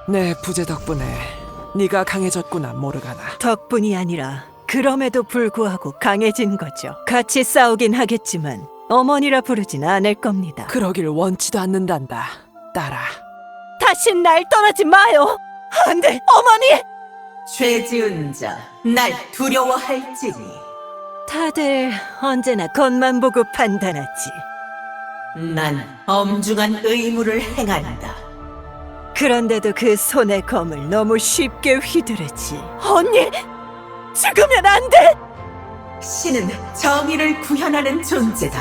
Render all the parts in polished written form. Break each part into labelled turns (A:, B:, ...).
A: 내 부재 덕분에 네가 강해졌구나, 모르가나.
B: 덕분이 아니라 그럼에도 불구하고 강해진 거죠. 같이 싸우긴 하겠지만 어머니라 부르진 않을 겁니다.
A: 그러길 원치도 않는단다, 딸아.
B: 다신 날 떠나지 마요. 안 돼, 어머니!
C: 죄 지은 자, 날 두려워할지니.
B: 다들 언제나 겉만 보고 판단하지.
C: 난 엄중한 의무를 행한다.
B: 그런데도 그 손의 검을 너무 쉽게 휘두르지. 언니! 죽으면 안 돼!
C: 신은 정의를 구현하는 존재다.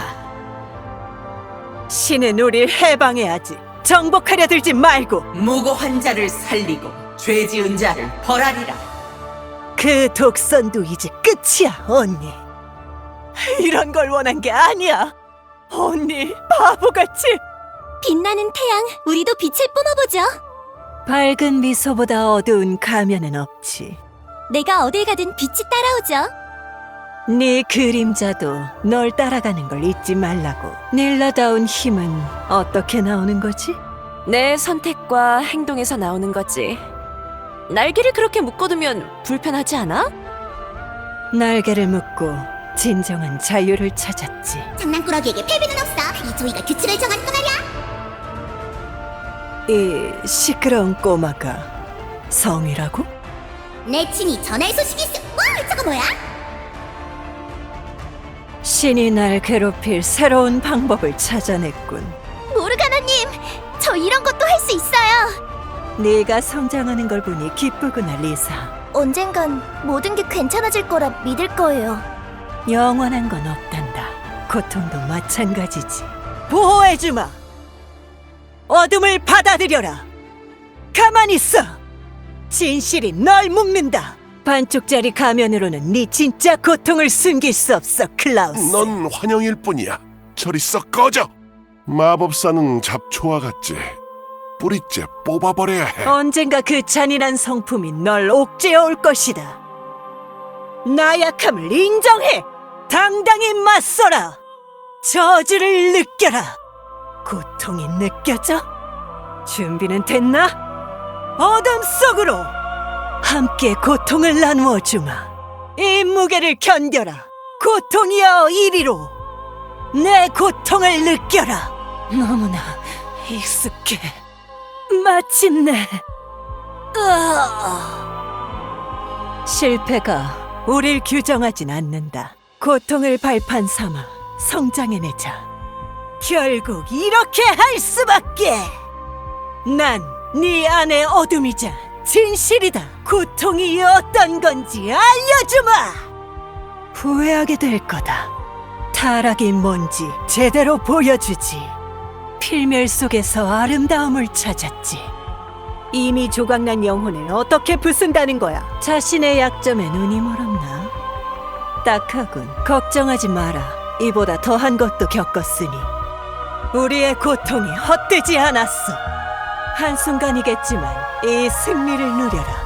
B: 신은 우릴 해방해야지. 정복하려 들지 말고.
C: 무고한 자를 살리고 죄 지은 자를 벌하리라.
B: 그 독선도 이제 끝이야, 언니. 이런 걸 원한 게 아니야. 언니, 바보같이.
D: 빛나는 태양, 우리도 빛을 뿜어보죠.
B: 밝은 미소보다 어두운 가면은 없지.
D: 내가 어딜 가든 빛이 따라오죠.
B: 네 그림자도 널 따라가는 걸 잊지 말라고. 닐라다운 힘은 어떻게 나오는 거지?
E: 내 선택과 행동에서 나오는 거지. 날개를 그렇게 묶어두면 불편하지 않아?
B: 날개를 묶고 진정한 자유를 찾았지.
D: 장난꾸러기에게 패배는 없어. 이 조이가 규칙을 정한 거말이야.
B: 이 시끄러운 꼬마가 성이라고?
D: 내 친히 전할 소식이 있어. 저거 뭐야?
B: 신이 날 괴롭힐 새로운 방법을 찾아냈군.
D: 모르가나님, 저 이런 것도 할 수 있어요.
B: 네가 성장하는 걸 보니 기쁘구나, 리사.
D: 언젠간 모든 게 괜찮아질 거라 믿을 거예요.
B: 영원한 건 없단다. 고통도 마찬가지지. 보호해주마. 어둠을 받아들여라. 가만히 있어. 진실이 널 묶는다. 반쪽짜리 가면으로는 네 진짜 고통을 숨길 수 없어, 클라우스.
F: 넌 환영일 뿐이야. 저리 썩 꺼져. 마법사는 잡초와 같지. 뿌리째 뽑아버려야 해.
B: 언젠가 그 잔인한 성품이 널 옥죄어올 것이다. 나약함을 인정해. 당당히 맞서라. 저주를 느껴라. 고통이 느껴져? 준비는 됐나? 어둠 속으로 함께 고통을 나누어 주마. 이 무게를 견뎌라. 고통이여 이리로. 내 고통을 느껴라. 너무나 익숙해. 마침내. 실패가 우릴 규정하진 않는다. 고통을 발판 삼아 성장해내자. 결국 이렇게 할 수밖에. 난 네 안의 어둠이자 진실이다. 고통이 어떤 건지 알려주마. 후회하게 될 거다. 타락이 뭔지 제대로 보여주지. 필멸 속에서 아름다움을 찾았지. 이미 조각난 영혼을 어떻게 부순다는 거야? 자신의 약점에 눈이 멀었나? 딱하군. 걱정하지 마라. 이보다 더한 것도 겪었으니 우리의 고통이 헛되지 않았어. 한순간이겠지만 이 승리를 누려라.